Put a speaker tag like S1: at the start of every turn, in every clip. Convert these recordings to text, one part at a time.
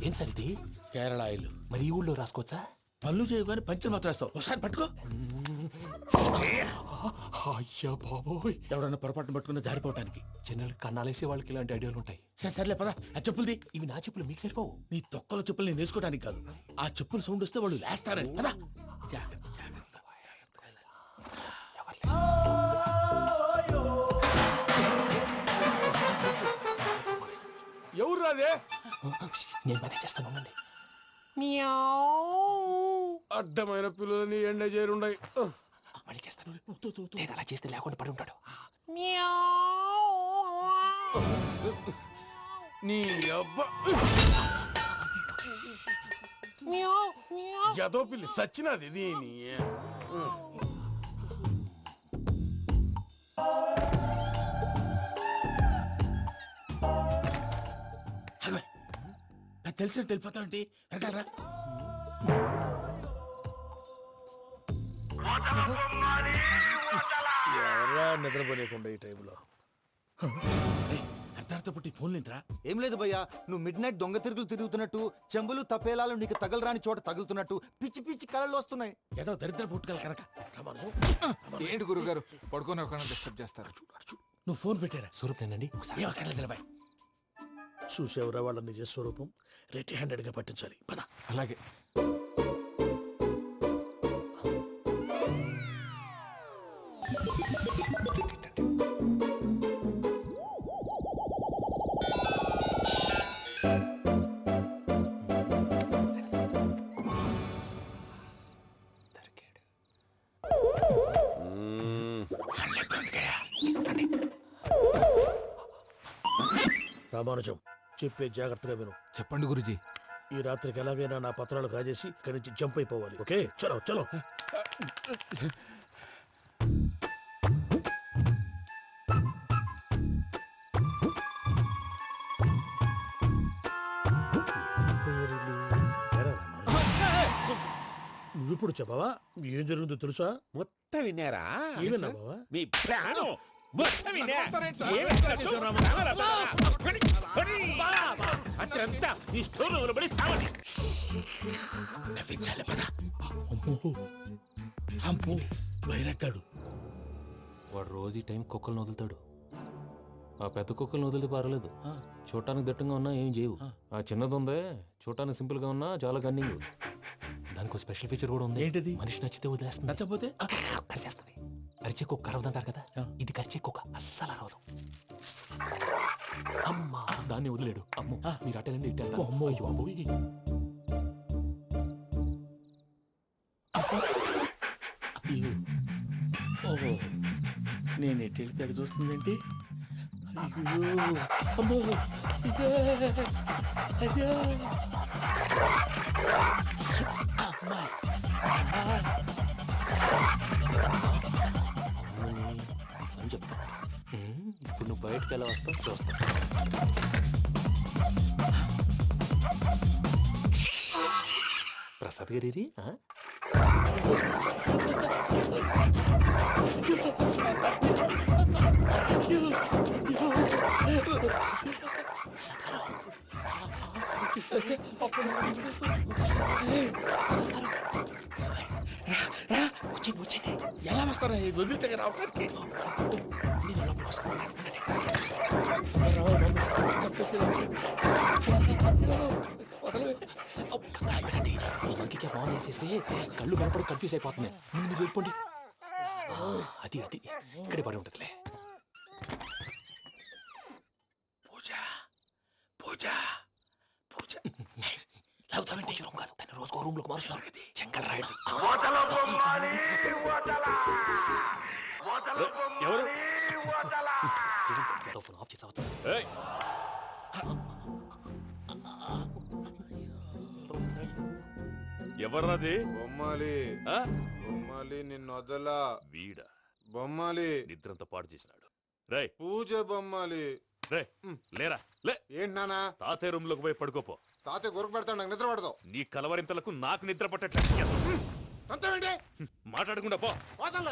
S1: ఏం సార్ ఇది?
S2: కేరళ ఆయిల్.
S1: మరి ఈ ఊళ్ళో రాసుకోవచ్చా?
S2: పళ్ళు చేయగానే పంచర్ మాత్రం వేస్తావు. ఒకసారి పట్టుకో.
S1: అయ్యా బాబోయ్,
S2: ఎవడన్నా పొరపాటున పట్టుకున్న జారిపోవటానికి.
S1: జనరల్ కన్నాలేసే వాళ్ళకి ఇలాంటి ఐడియాలు ఉంటాయి.
S2: సర్లే పదా, ఆ చెప్పులది.
S1: ఇవి నా చెప్పులు మీకు సరిపోవు.
S2: నీ తొక్కల చెప్పులు నేను వేసుకోవడానికి కాదు, ఆ చెప్పులు సౌండ్ వస్తే వాళ్ళు లేస్తారని. పదా.
S3: ఎవరు రాదే?
S1: నేను మేనేజ్ చేస్తాను, ఉండండి.
S3: అడ్డమైన పిల్లలని ఎండ చేరుండయి.
S1: మళ్ళీ చేస్తాను. నేను అలా చేస్తే లేకుండా పడి ఉంటాడు.
S3: నీ అబ్బా ఎదో పిల్లి సచ్చినది దీని.
S2: నాకు తెలిసినట్టు వెళ్ళిపోతా ఉంటే వెనకాలరా.
S3: ఎవరా నిద్రపోలేకుండా ఈ టైంలో?
S2: అర్ధార్థ పుట్టి ఫోన్ లేంట్రా.
S4: ఏం లేదు భయ్యా, నువ్వు మిడ్ నైట్ దొంగ తిరుగులు తిరుగుతున్నట్టు, చెంబులు తపేలాలు నీకు తగలరాని చోట తగులుతున్నట్టు పిచ్చి పిచ్చి కళలు వస్తున్నాయి.
S2: ఏదో దరిద్ర పుట్టుకల కనుక.
S5: ఏంటి గురుగారు పడుకొని ఒక డిస్టర్బ్ చేస్తారు?
S2: నువ్వు ఫోన్ పెట్టారా?
S1: స్వరూప్ నేనండి. ఒకసారి
S2: ఏమక్కర్లేదు. చూసేవరా వాళ్ళ నిజ స్వరూపం. రెట్టి హ్యాండెడ్ గా పట్టించాలి. పద.
S5: అలాగే.
S2: రామానుజం, చెప్పే జాగ్రత్తగా విను.
S5: చెప్పండి గురుజీ.
S2: ఈ రాత్రికి ఎలాగైనా నా పత్రాలు కాజేసి ఇక్కడి నుంచి జంప్ అయిపోవాలి. ఓకే, చలో చలో. నువ్విప్పుడు చెప్పవా ఏం జరుగుతుందో తెలుసా?
S3: మొత్తం విన్నారా?
S2: ఏమన్నా బావా?
S3: మీ ప్రాణం మొత్తం విన్నా. అత్రంతా ఈ స్టోర్ పడి సావని.
S2: నవ్వించాలి. పద. అమ్మో అమ్మో, వైరక్కాడు.
S1: వాడు రోజు ఈ టైం కుక్కలను వదులుతాడు. ఆ పెద్ద కుక్కలను వదిలితే పర్వాలేదు, చూడటానికి దట్టంగా ఉన్నా ఏం చేయవు. ఆ చిన్నది ఉందే, చూడటానికి సింపుల్ గా ఉన్నా చాలా కన్నింగ్. దానికి స్పెషల్ ఫీచర్ కూడా ఉంది.
S2: ఏంటిది?
S1: మనిషి నచ్చితే వదిలేస్తుంది,
S2: నచ్చపోతే
S1: కరిచేస్తుంది. అరిచే కుక్క అరవదంటారు కదా, ఇది కరిచే కుక్క అస్సలు అరవదు. అమ్మా, దాన్ని వదిలేడు. అమ్మో, మీరు అటెండి ఇటు వెళ్తారు. అమ్మో అయ్యో అబ్బోయ్.
S2: ఓహో, నేను ఎటు వెళ్తే అటు చూస్తుందేంటి? అయ్యో అమ్మో, ఇదే అదే. అమ్మా
S1: అని చెప్తా. ఇప్పుడు నువ్వు బయటకు ఎలా వస్తావు చూస్తా. ప్రసాద్ గారి వచ్చింది వచ్చింది.
S2: ఎలా వస్తారా? వదిలితే రావడానికి
S1: నేను లోపలికి వస్తాను. ఇంకే బాగా వేసేస్తే కళ్ళు కనపడి కన్ఫ్యూజ్ అయిపోతున్నాయి. ముందు మీరు వెళ్ళిపోండి. అది అది ఇక్కడే పడి ఉంటుందిలే.
S2: పూజ పూజ పూజ.
S1: లాగుతామంటే రూమ్ కాదు, తన రోజుకో రూమ్ లోకి మారుస్తున్నారు కదా. శంకర్ రాయుడు
S3: ఎవరు?
S1: ఫోన్ ఆఫ్ చేసావచ్చు.
S3: ఎవర్రాది?
S6: బొమ్మాలి బొమ్మాలి నిన్ను వదలా.
S3: వీడ
S6: బొమ్మాలి
S3: నిద్రంతా పాడు చేసినాడు. రే
S6: పూజ బొమ్మాలి.
S3: రే లేరా లే.
S6: ఏంటి నానా?
S3: తాతయ్య రూమ్ లోకి పోయి పడుకోపో.
S6: తాతయ్య గొరకు పెడతాడు, నాకు నిద్ర పడతావు.
S3: నీ కలవరింతలకు నాకు నిద్ర పట్టట్లేదు.
S6: అంతేంటి?
S3: మాట్లాడకుండా పో.
S6: పోతాలే.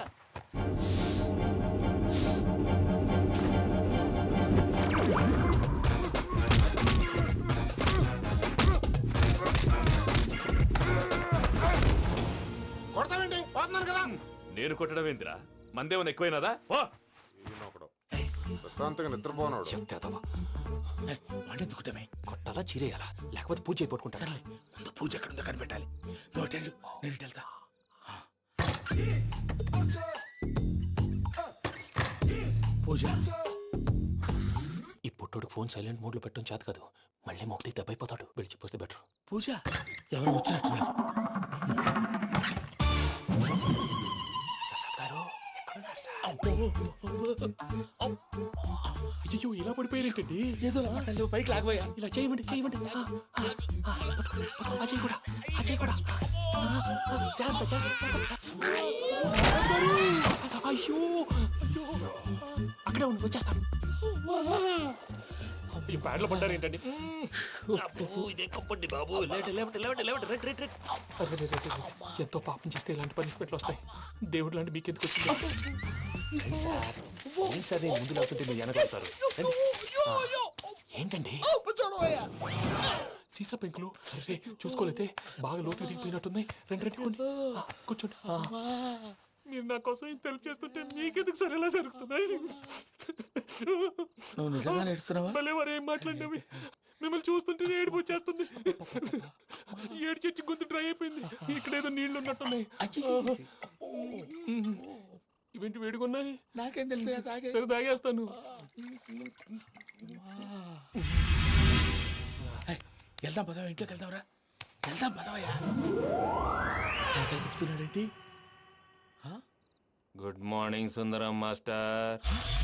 S3: నేను కొట్టడం ఏందిరా? మందేమన్నా ఎక్కువైనదా? పో.
S6: ఈయనొకడు. ప్రశాంతంగా నిద్రపోనాడు.
S5: చెప్తేదవా
S2: వాడెందుకుంటామే
S1: కొట్టాలా చీరేయాలా లేకపోతే పూజ అయిపోట్టుకుంటారా?
S2: ముందు పూజ ఎక్కడ ఉందో కనిపెట్టాలి. నువ్వు అటు వెళ్ళు, నేను ఇటు వెళ్తా. పూజ
S1: ఈ పుట్టోడు ఫోన్ సైలెంట్ మోడ్ లో పెట్టడం చేత కాదు. మళ్ళీ మొక్కి దెబ్బైపోతాడు. విడిచిపోతే బెటర్.
S2: పూజ ఎవరు వచ్చినట్టున్నారు.
S1: ప్రసాద్ గారు ఎక్కడున్నారు సార్?
S2: అయ్యో ఇలా పడిపోయినట్టండి. ఏదో మాటలు పైకి లాగబోయా. ఇలా చేయమండి చేయమండి. అజయ్ కూడా అజయ్ కూడా జాగ్రత్త జాగ్రత్త. అయ్యో అక్కడే ఉండి వచ్చేస్తాను.
S1: ఈ బ్యాడ్లో పడ్డారు ఏంటండి? ఇదే కప్పండి బాబు. ఎంతో పాపం చేస్తే ఇలాంటి పనిష్మెంట్లు వస్తాయి. దేవుడు లాంటి మీకు ఎందుకు వచ్చింది సార్? ముందు లేకుంటే మీరు వెనకాడతారు. ఏంటండి సీసా పెంకులు? అరే చూసుకోలేతే బాగా లోతు దిగిపోయినట్టున్నాయి. రెండు కూర్చోండి. మీరు నా కోసం ఇంత హెల్ప్ చేస్తుంటే మీకెందుకు సరే ఎలా జరుగుతున్నాయి?
S2: నువ్వు నిజంగా నేర్చుతున్నావా?
S1: మళ్ళీ వారు ఏం మాట్లాడినవి మిమ్మల్ని చూస్తుంటే ఏడుపు వచ్చేస్తుంది. ఏడు చెచ్చి గొంతు డ్రై అయిపోయింది. ఇక్కడ ఏదో నీళ్లు ఉన్నట్టున్నాయి. ఇవేంటి వేడుకున్నాయి?
S2: నాకేం తెలుసు.
S1: సరే తాగేస్తాను.
S2: వెళ్దాం పదవా, ఇంట్లోకి వెళ్దాంరా. వెళ్దాం పదవయ్యా. చెప్తున్నాడేంటి?
S1: Good morning Sundaram master.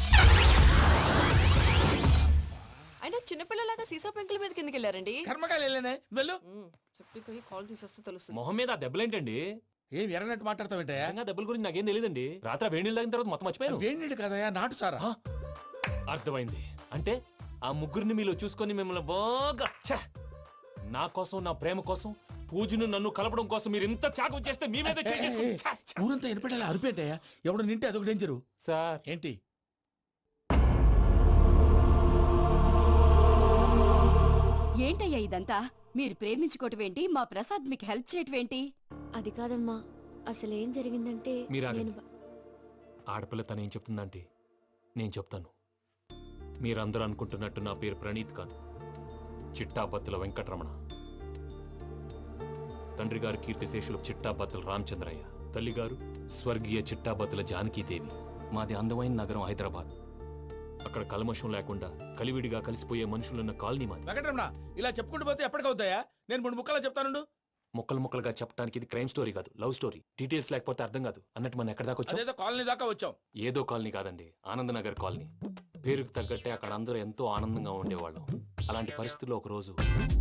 S7: అయినా చిన్నపిల్లలాగా సీసా పెంకుల మీద కిందకి వెళ్ళారండి.
S2: కర్మకాయలు వెళ్ళానే వెళ్ళు.
S7: చెప్పి కాల్ తీసేస్తే తెలుస్తుంది.
S1: మొహం మీద ఆ దెబ్బలేంటండి?
S2: ఏం ఎర్రనట్టు మాట్లాడతావేంటయ్యా?
S1: నిజంగా దెబ్బల గురించి నాకేం తెలియదండి. రాత్రి వేడి నీళ్ళు తాగిన తర్వాత మొత్తం మర్చిపోయాను.
S2: వేణిడు కదయ్యా, నాటు సారా.
S1: అర్థమైంది. అంటే ఆ ముగ్గురిని మీలో చూసుకొని మిమ్మల్ని బాగా నా కోసం, నా ప్రేమ కోసం, పూజను నన్ను కలపడం కోసం మీరు ఇంత త్యాగం చేస్తే మీ మీద
S2: ఊరంతా వినపడేలా అరిపేంటయ్యా. ఎవడు నింటే అదొక డేంజరు.
S1: సార్
S2: ఏంటి?
S8: ఏంటయ్యా ఇదంతా? మీరు ప్రేమించుకోవటం ఏంటి? మా ప్రసాద్ మీకు హెల్ప్ చేయటం ఏంటి?
S9: అది కాదమ్మా, అసలేం జరిగిందంటే
S1: మీరు
S9: నేను
S1: ఆడపిల్ల తను ఏం చెప్తుందంటే నేను చెప్తాను. మీరందరూ అనుకుంటున్నట్టు నా పేరు ప్రణీత్ కాదు, చిట్టాబత్తుల వెంకటరమణ. తండ్రి గారు కీర్తిశేషులు చిట్టాబత్తుల రామచంద్రయ్య, తల్లిగారు స్వర్గీయ చిట్టాబత్తుల జానకీదేవి. మాది అందమైన నగరం హైదరాబాద్. అక్కడ కల్మషం లేకుండా కలివిడిగా కలిసిపోయే మనుషులున్న కాలనీ మాది.
S2: వెంకటరమణ, ఇలా చెప్పుకుంటూ పోతే ఎప్పటికవుతాయా? నేను 3 ముక్కలా చెప్తానుండు.
S1: ముక్కలుగా చెప్పడానికి ఇది క్రైమ్ స్టోరీ కాదు, లవ్ స్టోరీ. డీటెయిల్స్ లేకపోతే అర్థం కాదు. అన్నట్టు మనం ఎక్కడ దాకా వచ్చాం?
S2: అదేదో కాలనీ దాకా వచ్చాం.
S1: ఏదో కాలనీ కాదండి, ఆనందనగర్ కాలనీ. పేరుకు తగ్గట్టే అక్కడ అందరూ ఎంతో ఆనందంగా ఉండేవాళ్ళం. అలాంటి పరిస్థితుల్లో ఒకరోజు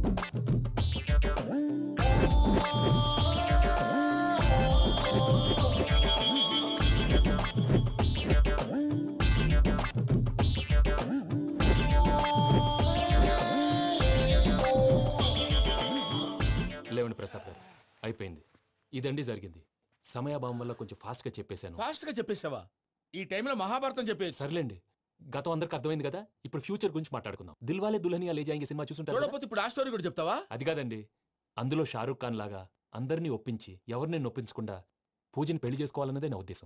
S1: లేవండి ప్రసాద్ గారు, అయిపోయింది. ఇదండి జరిగింది. సమయాభావం వల్ల కొంచెం ఫాస్ట్ గా చెప్పేశాను.
S2: ఫాస్ట్ గా చెప్పేసావా? ఈ టైంలో మహాభారతం చెప్పేసి.
S1: సర్లేండి, గతం అందరికి అర్థమైంది కదా. ఇప్పుడు ఫ్యూచర్ గురించి మాట్లాడుకుందాం. దిల్వాలే దుల్హనియా లే జాయేంగే సినిమా చూసుంటారు కదా?
S2: చూడకపోతే ఇప్పుడు ఆ స్టోరీ కూడా చెప్తావా?
S1: అది కాదండి, అందులో షారూఖ్ ఖాన్ లాగా అందరినీ ఒప్పించి ఎవరిని నొప్పించకుండా పూజని పెళ్లి చేసుకోవాలన్నదే నా ఉద్దేశం.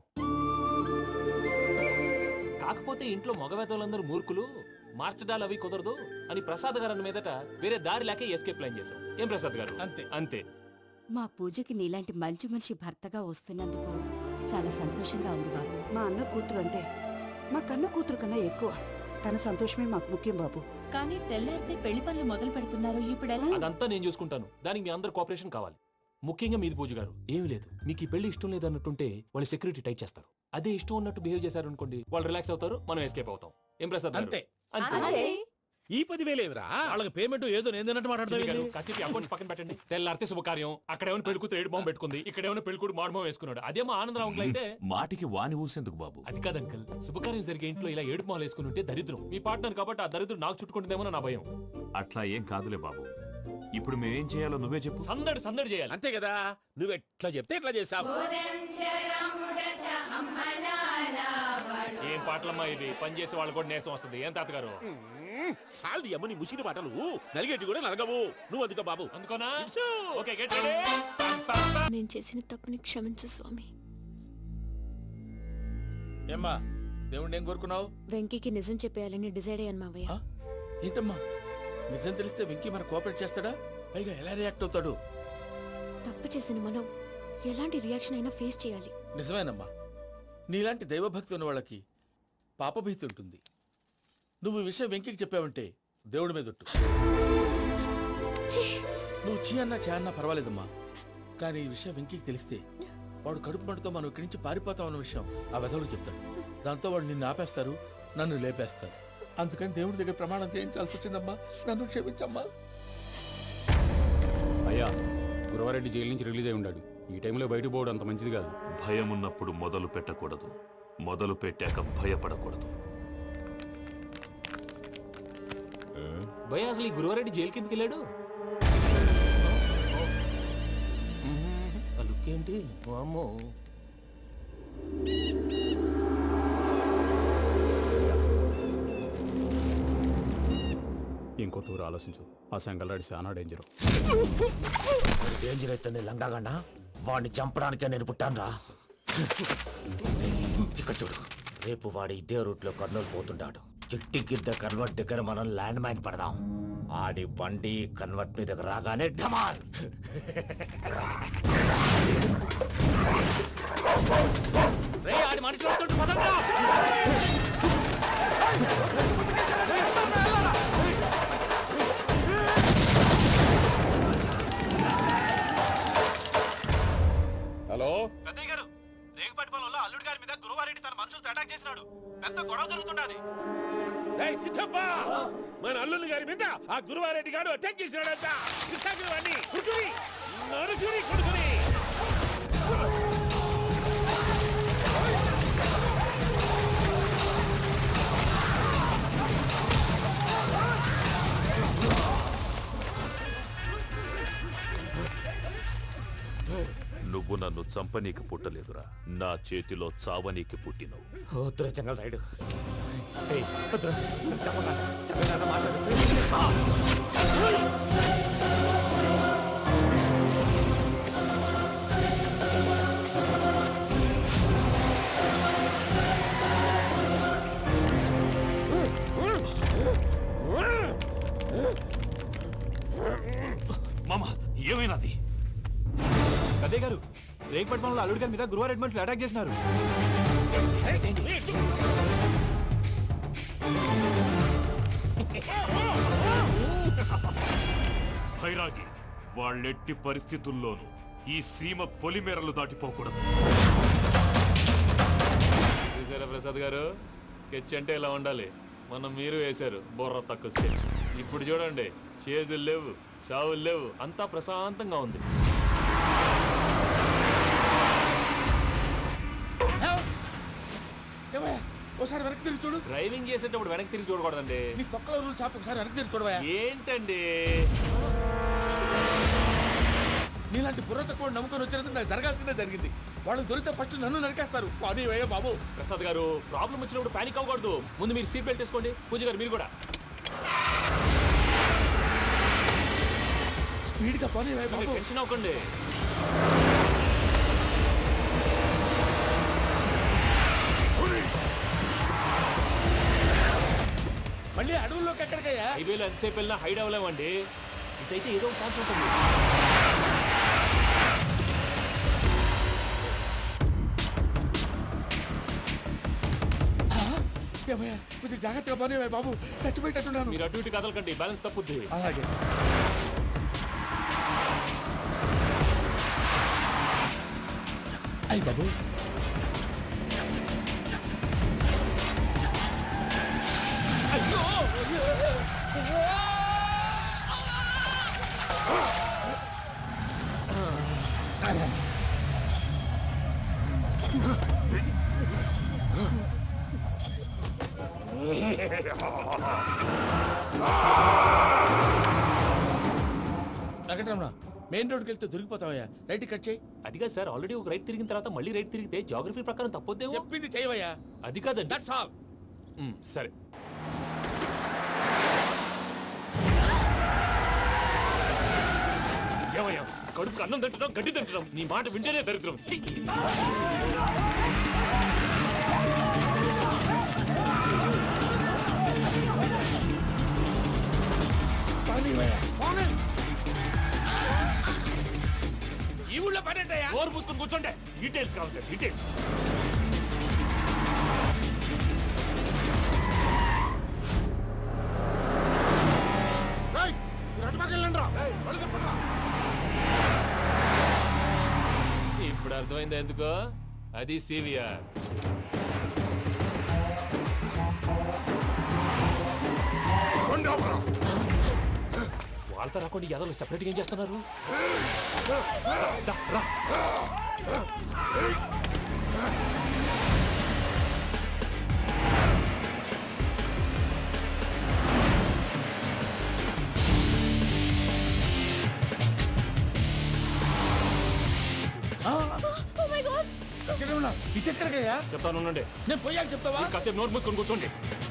S1: కాకపోతే ఇంట్లో మగవేతలందరూ మూర్ఖులు, మార్చడాలు అవి కుదరదు అని ప్రసాద్ గారు అన్న మీదట వేరే దారి లేక ఎస్కేప్ ప్లాన్ చేశాం. ఏం ప్రసాద్ గారు?
S2: అంతే
S1: అంతే.
S8: మా పూజకి నీలాంటి మంచి మనిషి భర్తగా వస్తున్నందుకు చాలా సంతోషంగా ఉంది బాబు.
S10: మా అన్న కూతురు అంటే మా కన్న కూతురు కన్నా ఎక్కువ. తన సంతోషమే మాకు ముఖ్యం బాబు.
S8: కానీ తెల్లారితే పెళ్లి పనులు మొదలు పెడుతున్నారు, ఇప్పుడెలా?
S1: అదంతా నేను చూసుకుంటాను. దానికి మీ అందరు కోఆపరేషన్ కావాలి. ముఖ్యంగా మీది పూజ గారు. ఏమీ లేదు, మీకు ఈ పెళ్లి ఇష్టం లేదన్నట్టుంటే వాళ్ళు సెక్యూరిటీ టైట్ చేస్తారు. అదే ఇష్టం ఉన్నట్టు బిహేవ్ చేశారు అనుకోండి, వాళ్ళు రిలాక్స్ అవుతారు, మనం ఎస్కేప్ అవుతాం. ఏం ప్రసాద్ గారు?
S2: అంతే.
S8: అలాగే.
S2: ఈ 10,000 ఏమిరా? వాళ్ళకి పేమెంట్ ఏదో నేందన్నట్టు మాట్లాడతాను.
S1: కాసేపు అకౌంట్స్ పక్కన పెట్టండి. తెల్లారితే శుభకార్యం. అక్కడేమైనా పెళ్లికూతురు ఏడు బాంబు పెట్టుకుంది, ఇక్కడేమైనా పెళ్లికూడు మాడు బాంబు వేసుకున్నాడు. అదేమో ఆనందరావు అంకుల్ అయితే
S3: మాటికి వాని ఊసేందుకు బాబు?
S1: అది కాదు అంకుల్, శుభకార్యం జరిగే ఇంట్లో ఇలా ఏడు మాలు వేసుకుని ఉంటే దరిద్రం. మీ పార్ట్నర్ కాబట్టి ఆ దరిద్రం నాకు చుట్టుకుంటుందేమో నా భయం.
S3: అట్లా ఏం కాదులే బాబు. ఇప్పుడు మేమేం చేయాలో నువ్వే చెప్పు.
S1: సందడి సందడి చేయాలి.
S2: అంతే కదా, నువ్వు ఎట్లా చెప్తే ఎట్లా చేసావు.
S1: ఏం పాటలమ్మా ఇవి? పని చేసే వాళ్ళు కూడా నేసం వస్తుంది. ఏం తాతగారు?
S2: సాల్ది అమ్మ నీ ముసిరి పాటలు నలిగేటి కూడా నలగవు. నువ్వు అందుకో బాబు.
S1: అందుకోనా? Okay, get ready.
S9: నేను చేసిన తప్పుని క్షమించు స్వామి.
S2: ఏమ్మా దేవుణ్ణి ఏం కోరుకున్నావు?
S9: వెంకీకి నిజం చెప్పేయాలని డిసైడ్ అయ్యాను మావయ్య.
S2: ఆ? ఏంటమ్మా నిజం తెలిస్తే వెంకీ మన కోఆపరేట్ చేస్తాడా? పైగా ఎలా రియాక్ట్ అవుతాడు?
S9: తప్పు చేసిన మనం ఎలాంటి రియాక్షన్ అయినా ఫేస్ చేయాలి.
S2: నిజమేనమ్మా, నీలాంటి దైవభక్తి ఉన్న వాళ్ళకి పాపభీతి ఉంటుంది. నువ్వు ఈ విషయం వెంకీకి చెప్పావంటే దేవుడి మీద ఒట్టు. నువ్వు చీ అన్నా చే అన్నా పర్వాలేదమ్మా, కానీ ఈ విషయం వెంకీకి తెలిస్తే వాడు కడుపు మంటతో మనం ఇక్కడి నుంచి పారిపోతాం అన్న విషయం ఆ వెధవుడు చెప్తాడు. దాంతో వాడు నిన్ను ఆపేస్తారు, నన్ను లేపేస్తారు. అందుకని దేవుడి దగ్గర ప్రమాణం చేయించాల్సి వచ్చిందమ్మా. నన్ను క్షమించమ్మా.
S11: అయ్యా, గురవారెడ్డి జైలు నుంచి రిలీజ్ అయి ఉన్నాడు. ఈ టైంలో బయటకు పోవడం అంత మంచిది కాదు.
S3: భయం ఉన్నప్పుడు మొదలు పెట్టకూడదు, మొదలు పెట్టాక భయపడకూడదు.
S1: భయ అసలు ఈ గురువారెడ్డి జైలు కిందకి వెళ్ళాడు. ఆ లుక్ ఏంటి? వామ్మో.
S11: ఇంకో తూరు ఆలోచించు. ఆ సంగల్లాడి చాలా డేంజర్.
S2: డేంజర్ అయితే లంగాగండ వాడిని చంపడానికే నేను పుట్టాను. ఇక్కడ చూడు, రేపు వాడు ఇదే రూట్ లో కర్నూలు పోతుంటాడు. చిట్టి గిద్ద కన్వర్ట్ దగ్గర మనం ల్యాండ్ మైన్ పడదాం. ఆడి బండి కన్వర్ట్ మీద రాగానే ఢమాల్. ఆడి మనిషి వస్తుంటే పదండ్రా.
S11: హలో
S2: పెద్దయ్య గారు, రేగుపాటి పొలంలో అల్లుడి గారి మీద గురువారెడ్డి తన మనుషులతో అటాక్ చేసినాడు. పెద్ద గొడవ జరుగుతున్నది.
S12: మన అల్లుడి గారి మీద ఆ గురువారెడ్డి గారు అటాక్ చేసినాడంట. కృష్ణాగిరి కొడుకుని నరుచుని కొడుకుని.
S3: నువ్వు నన్ను చంపనీకి పుట్టలేదురా, నా చేతిలో చావనీకి పుట్టినవు.
S2: జంగల్ రైడ్.
S3: మామ, ఏమైనాది?
S12: అదే గారు, రేగుపాటి పొలంలో అల్లుడి గారి మీద గురువారెడ్డి మనుషులు అటాక్ చేసినారు.
S3: భైరాగి, వాళ్ళెట్టి పరిస్థితుల్లోనూ ఈ సీమ పొలిమేరలు దాటిపోకూడదు.
S1: చూసారా ప్రసాద్ గారు, స్కెచ్ అంటే ఇలా ఉండాలి. మనం మీరు వేశారు బుర్ర తక్కువ స్కెచ్. ఇప్పుడు చూడండి, చేజులు లేవు, చావులు లేవు, అంతా ప్రశాంతంగా ఉంది.
S2: ఒకసారి వెనక్కి తిరిగి చూడు.
S1: డ్రైవింగ్ చేసేటప్పుడు వెనక్కి తిరిగి చూడకూడదండి.
S2: నీ తొక్కలో రూల్స్ ఆపి ఒకసారి వెనక్కి తిరిగి చూడవా.
S1: ఏంటండి
S2: నీలాంటి బుర్ర తక్కువ నమ్ముకొని వచ్చినందుకు నాకు జరగాల్సిందే జరిగింది. వాళ్ళు దొరికితే ఫస్ట్ నన్ను నరికేస్తారు. అది వయ్యా బాబు.
S1: ప్రసాద్ గారు, ప్రాబ్లం వచ్చినప్పుడు పానిక్ అవ్వకూడదు. ముందు మీరు సీట్ బెల్ట్ వేసుకోండి. పూజ గారు మీరు కూడా
S2: స్పీడ్గా పని
S1: టెన్షన్ అవ్వకండి.
S2: మళ్ళీ అడవుల్లోకి ఎక్కడికయ్యా?
S1: హైవేలో ఎంతసేపు వెళ్ళినా హైడ్ అవ్వలేమండి. ఇదైతే ఏదో ఒక ఛాన్స్ ఉంటుంది.
S2: కొంచెం జాగ్రత్తగా పని బాబు, చచ్చిపోయేటట్టున్నాను.
S1: మీరు అటు ఇటు కదలకండి, బ్యాలెన్స్ తప్పుద్ది.
S2: అలాగే. అయ్యి బాబు, వెంకటరమణ, మెయిన్ రోడ్కి వెళ్తే దొరికిపోతావయ్యా. రైట్ కట్ చేయి.
S1: అది కాదు సార్, ఆల్రెడీ ఒక రైట్ తిరిగిన తర్వాత మళ్ళీ రైట్ తిరిగితే జాగ్రఫీ ప్రకారం తప్పొద్దేమో.
S2: చెప్పింది చేయవయ్యా.
S1: అది కాదండి.
S2: That's all.
S1: సరే. ఏమయ్యా, కడుపు అన్నం తింటున్నాం, గడ్డి తింటున్నాం. నీ మాట వింటేనే దరిద్రం. ఛీ!
S12: ఈ ఊళ్ళో పనేంటయ్యా?
S3: ఓరు పూసుకొని కూర్చోండి. డీటెయిల్స్ కావాలి, డీటెయిల్స్.
S1: ఇప్పుడు అర్థమైంది ఎందుకో, అది సివిఆర్. వాళ్ళతో రాకుండా యాదవ్ సెపరేట్గా ఏం చేస్తున్నారు? రా.
S2: ఇటెక్కడికయ్యా?
S1: చెప్తాను ఉండండి.
S2: నేను పోయాక చెప్తావా?
S1: కాసేపు నోట్ మూసుకొని కూర్చోండి.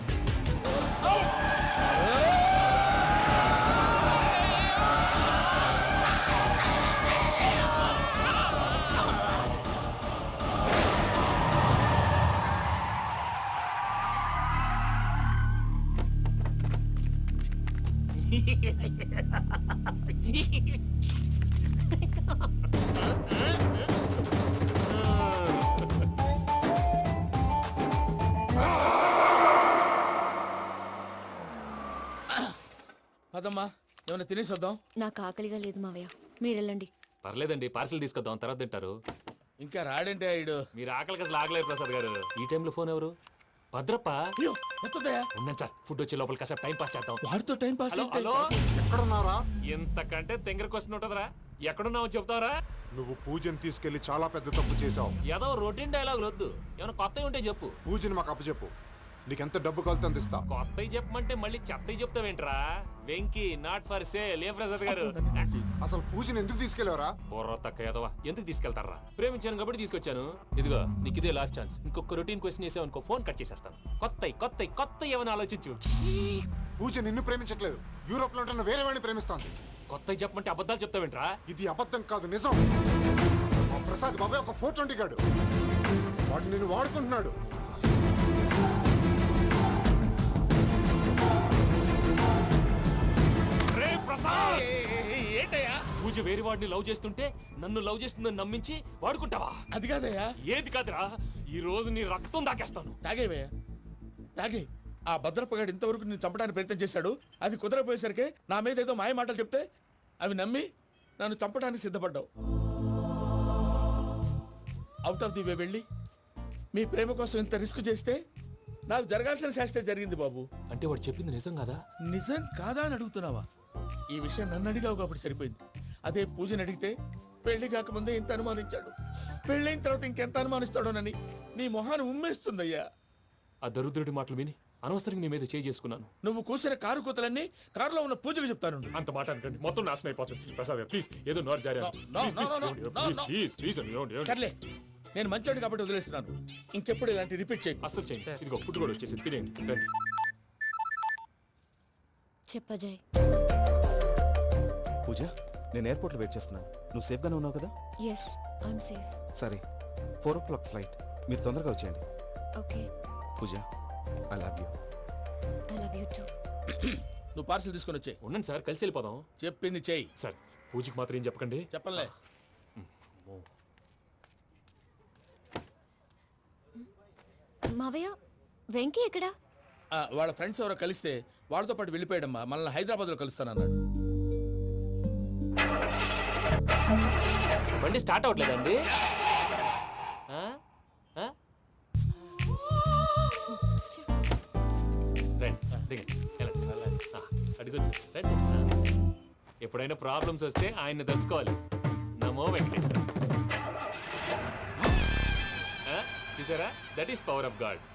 S2: పదమ్మా, ఏమైనా తినేసి వద్దాం.
S9: నాకు ఆకలిగా లేదు మావయ్య, మీరు వెళ్ళండి.
S1: పర్లేదండి, పార్సిల్ తీసుకొద్దాం, తర్వాత తింటారు.
S2: ఇంకా రాడంటే ఈడు.
S1: మీరు ఆకలికి అసలు ఆగలేదు ప్రసాద్ గారు. ఈ టైంలో ఫోన్ ఎవరు? భద్రప్ప.
S2: అయ్యో ఎత్తదయ్యా.
S1: ఉన్నాను సార్, ఫుడ్ వచ్చే లోపల కాసేపు టైం పాస్ చేద్దాం.
S2: వాడితో టైం పాస్.
S1: హలో హలో,
S6: ఎక్కడున్నారా?
S1: ఎంతకంటే తెంగర క్వశ్చన్ ఉంటుందిరా. ఎక్కడున్నావు చెప్తావరా?
S6: నువ్వు పూజని తీసుకెళ్లి చాలా పెద్ద తప్పు చేశావు.
S1: ఏదో రొటీన్ డైలాగులు వద్దు, ఏమైనా కొత్తవి ఉంటే చెప్పు.
S6: పూజని మాకు అప్పచెప్పు. నీకెంత డబ్బు కలితే అందిస్తా.
S1: కొత్తవి చెప్పమంటే మళ్ళీ చెత్తవి చెప్తావేంట్రా? Venky not for sale. ఏ ప్రసాద్ గారు,
S6: అసలు పూజని ఎందుకు తీసుకెళ్లేవరా?
S1: బుర్ర తక్క ఏదవా, ఎందుకు తీసుకెళ్తారా? ప్రేమించాను కాబట్టి తీసుకొచ్చాను. ఇదిగో నీకు ఇదే లాస్ట్ ఛాన్స్. ఇంకొక రొటీన్ క్వశ్చన్ చేసావు అనుకో, ఫోన్ కట్ చేసేస్తాను. కొత్త ఏమైనా ఆలోచించు.
S6: పూజ నిన్ను ప్రేమించట్లేదు, యూరోప్ లో ఉంటున్న వేరే వాడిని ప్రేమిస్తాంది.
S1: కొత్తవి చెప్పమంటే అబద్ధాలు చెప్తావేంట్రా?
S6: ఇది అబద్ధం కాదు, నిజం. మా ప్రసాద్ బాబాయ్ ఒక 420 గాడు, వాడు నిన్ను వాడుకుంటున్నాడు.
S12: ఏంటయ్యా?
S1: పూజ వేరే వాడిని లవ్ చేస్తుంటే నన్ను లవ్ చేస్తుందని నమ్మించి వాడుకుంటావా?
S2: అది కాదయ్యా.
S1: ఏది కాదురా, ఈ రోజు నీ రక్తం దాకేస్తాను.
S2: తాగేవయ్యా, తాగే. ఆ భద్రపగాడు ఇంతవరకు నేను చంపడానికి ప్రయత్నం చేశాడు. అది కుదరపోయేసరికి నా మీద ఏదో మాయ మాటలు చెప్తే అవి నమ్మి నన్ను చంపడానికి సిద్ధపడ్డావు. అవుట్ ఆఫ్ ది వే వెళ్ళి మీ ప్రేమ కోసం ఇంత రిస్క్ చేస్తే నాకు జరగాల్సిన శాస్త్రే జరిగింది బాబు.
S1: అంటే వాడు చెప్పింది నిజం కదా?
S2: నిజం కాదా అని అడుగుతున్నావా? ఈ విషయం నన్ను అడిగావు కాబట్టి సరిపోయింది. అదే పూజని అడిగితే పెళ్లి కాకముందే ఇంత అనుమానించాడు, పెళ్ళైన తర్వాత ఇంకెంత అనుమానిస్తాడోనని నీ మొహాన్ని ఉమ్మేస్తుందయ్యా.
S1: ఆ దరిద్రుడి మాటలు విని అనవసరంగా నీ మీద చేయి చేసుకున్నాను.
S2: నువ్వు కూసిన కారు కూతలన్నీ కారులో ఉన్న పూజకు చెప్తాను.
S1: అంత మాట అనకండి, మొత్తం నాశనం అయిపోతుంది. ప్రసాద్ ప్లీజ్, ఏదో నోరు జారీ.
S2: సర్లే, నేను మంచోడు కాబట్టి వదిలేస్తున్నాను. ఇంకెప్పుడు ఇలాంటి రిపీట్ చేయకు.
S1: అస్సలు చేయండి. ఇదిగో ఫుడ్ కూడా వచ్చేసి తినేయండి. రండి.
S9: చెప్పజాయ్.
S13: పూజ, నేను ఎయిర్పోర్ట్లో వెయిట్ చేస్తున్నాను. నువ్వు సేఫ్గానే ఉన్నావు కదా?
S9: Yes, I'm safe.
S13: సరే, 4 o'clock ఫ్లైట్. మీరు తొందరగా వచ్చేయండి.
S9: Okay.
S13: Pooja, I love you.
S9: I love you too.
S2: నువ్వు పార్సల్ తీసుకొని వచ్చే.
S1: ఉండండి సార్, కలిసి వెళ్ళిపోదాం.
S2: చెప్పింది చెయ్యి.
S1: సార్, పూజకి మాత్రం ఏం చెప్పకండి.
S2: చెప్పలే.
S9: మావయ్య, వెంకీ ఎక్కడా?
S2: వాళ్ళ ఫ్రెండ్స్ ఎవరో కలిస్తే వాళ్ళతో పాటు వెళ్ళిపోయాడమ్మా. మనల్ని హైదరాబాద్లో కలుస్తానన్నాడు.
S1: బండి స్టార్ట్ అవ్వట్లేదండి. ఎప్పుడైనా ప్రాబ్లమ్స్ వస్తే ఆయన్ని తెలుసుకోవాలి. నమో వెంకటేశ్వర. చూసారా, that is power of God.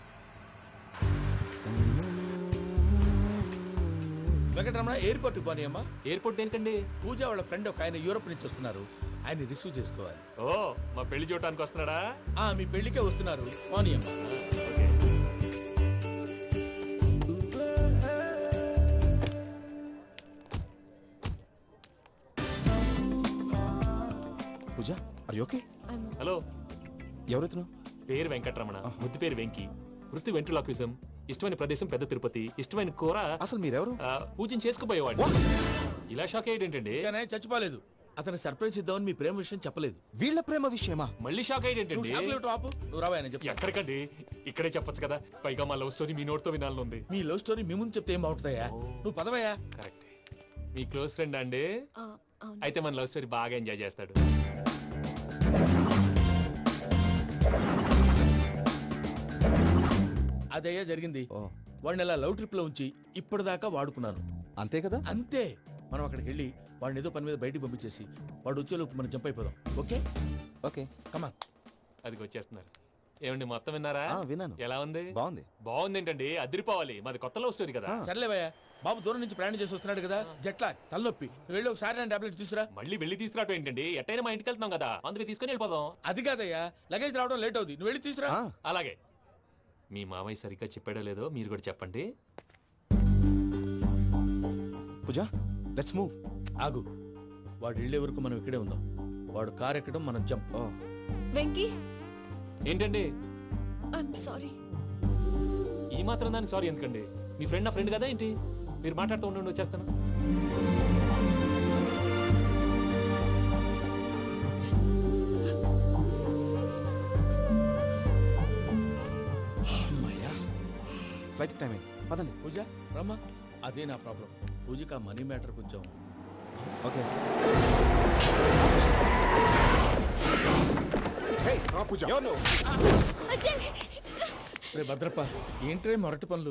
S2: Venkataramana, ఎయిర్పోర్ట్కి పోనీ అమ్మా.
S1: ఎయిర్పోర్ట్ ఏంటండి?
S2: పూజ వాళ్ళ ఫ్రెండ్ ఒక ఆయన యూరోప్ నుంచి వస్తున్నారు, ఆయన రిసీవ్ చేసుకోవాలి.
S1: ఓ, మా పెళ్లి చూడటానికి వస్తున్నాడా?
S2: మీ పెళ్లికే వస్తున్నారు, పోనీ అమ్మా.
S13: Pooja, are you okay?
S1: Hello,
S13: ఎవరెత్తును?
S1: పేరు వెంకటరమణ, ముద్దు పేరు వెంకీ, వృత్తి వెంట్రులాక్విజం, ఇష్టమైన ప్రదేశం పెద్ద తిరుపతి, ఇష్టమైన కూర
S13: అసలు మీరెవరు?
S1: పూజను చేసుకుపోయేవాడు. ఇలా షాక్ అయ్యేటండి?
S2: కానీ చచ్చిపోలేదు. అతను సర్ప్రైజ్ ఇద్దామని మీ ప్రేమ విషయం చెప్పలేదు.
S13: వీళ్ళ ప్రేమ విషయమా?
S1: మళ్ళీ షాక్ అయ్యేటండి?
S2: ఆపు, నువ్వు రావా అని చెప్పి.
S1: ఎక్కడికండి, ఇక్కడే చెప్పొచ్చు కదా. పైగా మా లవ్ స్టోరీ మీ నోటితో వినాలని ఉంది.
S2: మీ లవ్ స్టోరీ మీ ముందు చెప్తే ఏం బాగుంటుందయ్యా? నువ్వు పదవయ్యా.
S1: కరెక్ట్. మీ క్లోజ్ ఫ్రెండ్ అండి? అయితే మన లవ్ స్టోరీ బాగా ఎంజాయ్ చేస్తాడు.
S2: అదయ్యా జరిగింది. వాడిని అలా లవ్ ట్రిప్ లో ఉంచి ఇప్పటిదాకా వాడుకున్నాను.
S13: అంతే కదా?
S2: అంతే. మనం అక్కడికి వెళ్ళి వాడిని ఏదో పని మీద బయటికి పంపించేసి వాడు వచ్చేలోపు మనం జంప్ అయిపోదాం. Okay
S13: okay
S2: come.
S1: అది వచ్చేస్తున్నారు. ఏమండి మొత్తం విన్నారా?
S13: విన్నాను.
S1: ఎలా ఉంది?
S13: బాగుంది.
S1: బాగుంది ఏంటండి, అదిరిపోవాలి. మాది కొత్త లవ్ స్టోరీ కదా.
S2: సర్లేవయ్యా, బాబు దూరం నుంచి ప్రయాణం చేసి వస్తున్నాడు కదా, జట్లా తలనొప్పి. నువ్వు వెళ్ళి ఒకసారి నా టాబ్లెట్ తీసుకురా.
S1: మళ్ళీ వెళ్ళి తీసుకురావటం ఏంటండి? ఎట్టైనా మా ఇంటికి వెళ్తున్నాం కదా, అందుకే తీసుకొని వెళ్ళిపోదాం.
S2: అది కాదయ్యా, లగేజ్ రావడం లేట్ అవుతుంది. నువ్వు వెళ్ళి తీసుకురా.
S1: అలాగే. మీ మామయ్య సరిగ్గా చెప్పాడో లేదో మీరు కూడా చెప్పండి.
S13: Pooja, let's move.
S2: ఆగు, వాడు వెళ్ళే వరకు మనం ఇక్కడే ఉందాం. వాడు కార్ ఎక్కడం, మనం జంప్.
S9: వెంకీ,
S1: ఏంటండి
S9: ఐఎమ్ సారీ.
S1: ఈ మాత్రం దాన్ని సారీ ఎందుకండి? మీ ఫ్రెండ్ నా ఫ్రెండ్ కదా ఏంటి? మీరు మాట్లాడుతూ ఉండండి, వచ్చేస్తాను.
S13: ఫ్లైట్ టైం అయింది, పదండి.
S2: పూజ రమ్మా. అదే నా ప్రాబ్లం. పూజకి ఆ మనీ మ్యాటర్ కొంచెం.
S13: ఓకే.
S6: పూజ
S2: రే భద్రప్ప, ఏంట్రే మొరటి పనులు?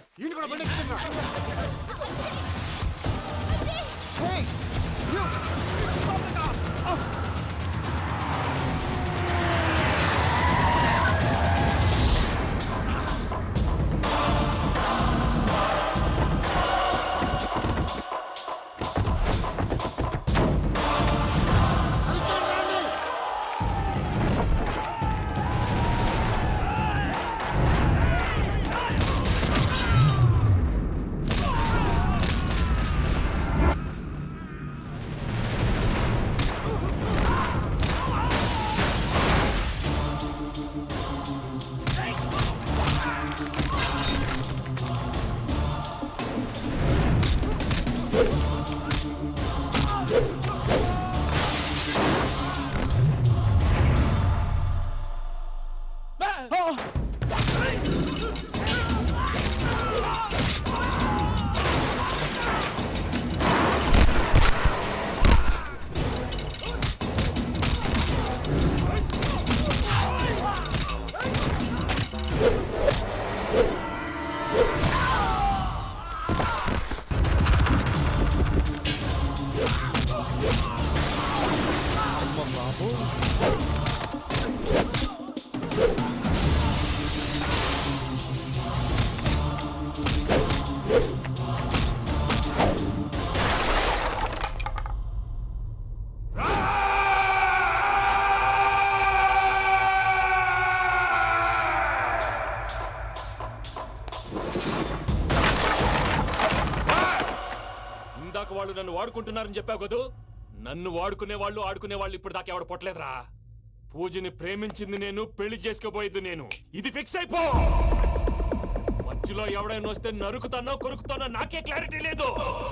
S1: ఇందాక వాళ్ళు నన్ను వాడుకుంటున్నారని చెప్పావు కదూ. నన్ను వాడుకునే వాళ్ళు ఇప్పుడు దాకా ఎవడ పొట్టలేదురా. పూజని ప్రేమించింది నేను, పెళ్లి చేసుకోబోయేది నేను. ఇది ఫిక్స్ అయిపో. మధ్యలో ఎవడైనా వస్తే నరుకుతానో కొరుకుతానో నాకే క్లారిటీ లేదు.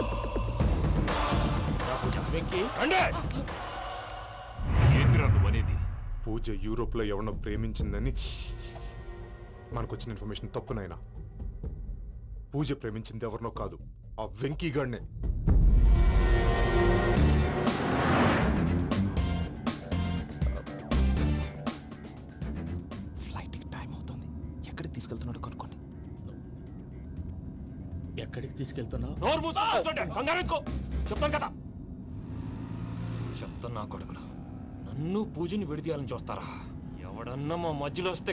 S3: ఏంటిరా నువ్వు అనేది?
S6: పూజ యూరోప్ లో ఎవరినో ప్రేమించిందని మనకొచ్చిన ఇన్ఫర్మేషన్ తప్పునైనా. పూజ ప్రేమించింది ఎవరినో కాదు, ఆ వెంకీ గాడినే.
S13: ఫ్లైట్ టైం అవుతుంది. ఎక్కడికి తీసుకెళ్తున్నాడో కనుక్కోండి.
S2: ఎక్కడికి తీసుకెళ్తున్నావు?
S1: నోరు మూసుకొని కూర్చోండి, కంగారు ఎక్కు. చెప్తాను కదా. చెప్తాను నా కొడుకులు, నన్ను పూజని విడిదీయాలని చూస్తారా? ఎవడన్నా మా మధ్యలో వస్తే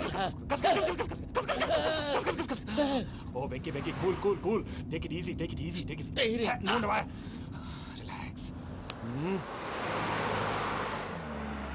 S1: ఓ Venky Venky, cool cool cool, take it easy, take it easy, take it. Relax.